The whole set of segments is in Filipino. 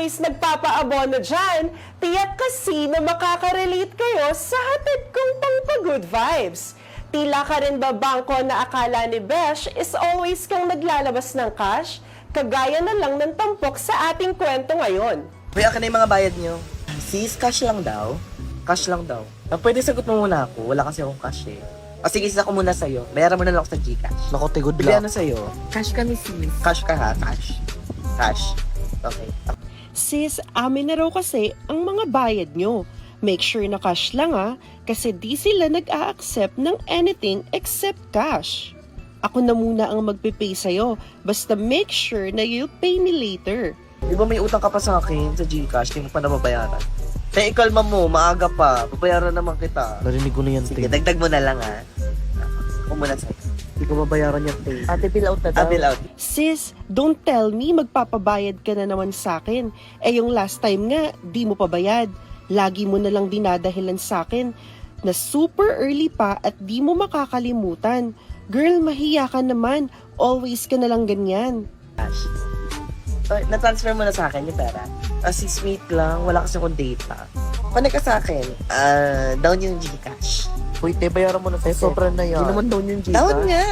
always nagpapaabono dyan, tiyak kasi na makaka-relate kayo sa hatid kong pang-good vibes. Tila ka rin ba bangko na akala ni Besh is always kang naglalabas ng cash? Kagaya na lang ng tampok sa ating kwento ngayon. Uy, akin na yung mga bayad nyo. Sis, cash lang daw. Cash lang daw. Pwede sagot mo muna ako. Wala kasi akong cash eh. O sige, sis, ako muna sa'yo. Bayaran mo na lang ako sa Gcash. Naku, tigod Bili lang. ano sa'yo? Cash kami, sis. Cash ka ha? Cash. Cash. Okay. Sis, amin na raw kasi ang mga bayad nyo. Make sure na cash lang kasi di sila nag-a-accept ng anything except cash. Ako na muna ang magpipay sa'yo, basta make sure na you'll pay me later. Di ba may utang ka pa sa akin sa Gcash? Hindi mo pa nababayaran. Kaya ikalma mo, maaga pa. Babayaran naman kita. Narinig ko na yan, Sige, Tay. dagdag mo na lang ha. Ako muna sa'yo. Hindi ko babayaran yan, Tay. Ate, bill out na daw. Bill out. Sis, don't tell me magpapabayad ka na naman sa akin. Yung last time nga, di mo pa bayad. Lagi mo na lang dinadahilan sa akin na super early pa at di mo makakalimutan. Girl, mahiya ka naman. Always ka na lang ganyan. Cash. Na-transfer mo na sa akin yung pera. Sis, wait lang. Wala kasi akong data. Connect ka sa akin. Down yung Gcash. Uy, Tay, bayaran mo na, Tay. Sobra na yan. Hindi naman down yung Gcash. Down nga!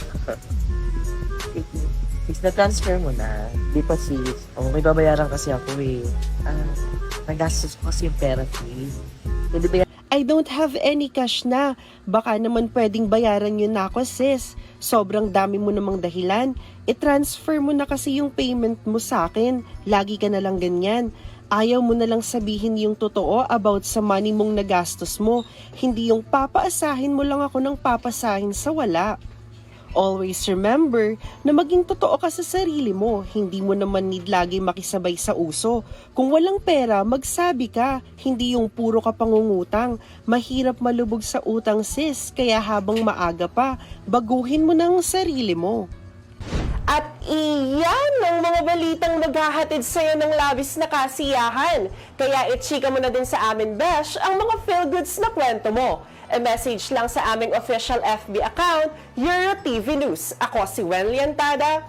Sis, na-transfer mo na. Di pa, sis. Oh, may babayaran kasi ako eh. Nagastos ko kasi yung pera, sis. Pwede ba I don't have any cash na. Baka naman pwedeng bayaran yun na ako, sis. Sobrang dami mo namang dahilan. I-transfer mo na kasi yung payment mo sa akin. Lagi ka na lang ganyan. Ayaw mo na lang sabihin yung totoo about sa money mong nagastos mo. Hindi yung papaasahin mo lang ako ng papasahin sa wala. Always remember na maging totoo ka sa sarili mo. Hindi mo naman need lagi makisabay sa uso. Kung walang pera, magsabi ka. Hindi yung puro ka pangungutang. Mahirap malubog sa utang, sis. Kaya habang maaga pa, baguhin mo ng sarili mo. At iyan ang mga balitang maghahatid sa'yo ng labis na kasiyahan. Kaya i-chika mo na din sa amin, Besh, ang mga feel-goods na kwento mo. E-message lang sa aming official FB account, Euro TV News. Ako si Wen Liantada.